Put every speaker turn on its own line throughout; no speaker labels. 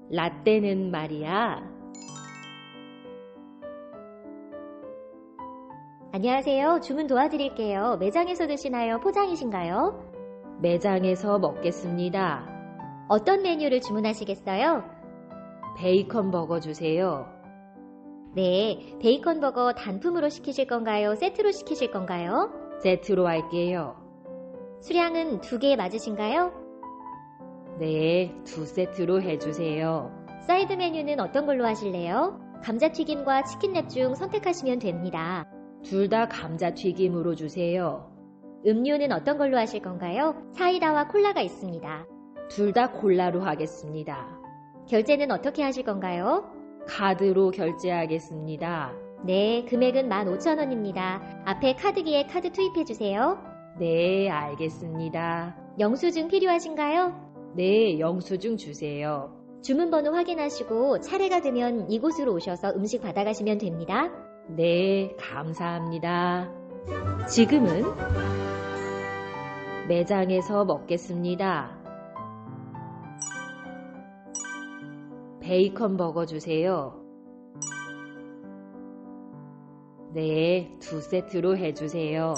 라떼는 말이야.
안녕하세요. 주문 도와드릴게요. 매장에서 드시나요? 포장이신가요?
매장에서 먹겠습니다.
어떤 메뉴를 주문하시겠어요?
베이컨 버거 주세요.
네, 베이컨 버거 단품으로 시키실 건가요? 세트로 시키실 건가요?
세트로 할게요.
수량은 2개 맞으신가요?
네, 2세트로 해주세요.
사이드 메뉴는 어떤 걸로 하실래요? 감자튀김과 치킨랩 중 선택하시면 됩니다.
둘 다 감자튀김으로 주세요.
음료는 어떤 걸로 하실 건가요? 사이다와 콜라가 있습니다.
둘 다 콜라로 하겠습니다.
결제는 어떻게 하실 건가요?
카드로 결제하겠습니다.
네, 금액은 15,000원입니다. 앞에 카드기에 카드 투입해주세요.
네, 알겠습니다.
영수증 필요하신가요?
네, 영수증 주세요.
주문번호 확인하시고 차례가 되면 이곳으로 오셔서 음식 받아가시면 됩니다.
네, 감사합니다. 지금은 매장에서 먹겠습니다. 베이컨 버거 주세요. 네, 2세트로 해주세요.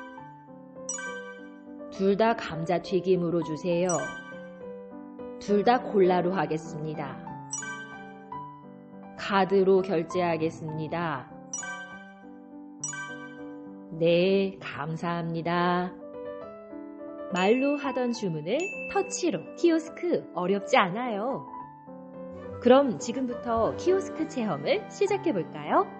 둘 다 감자튀김으로 주세요. 둘 다 콜라로 하겠습니다. 카드로 결제하겠습니다. 네, 감사합니다. 말로 하던 주문을 터치로 키오스크 어렵지 않아요. 그럼 지금부터 키오스크 체험을 시작해 볼까요?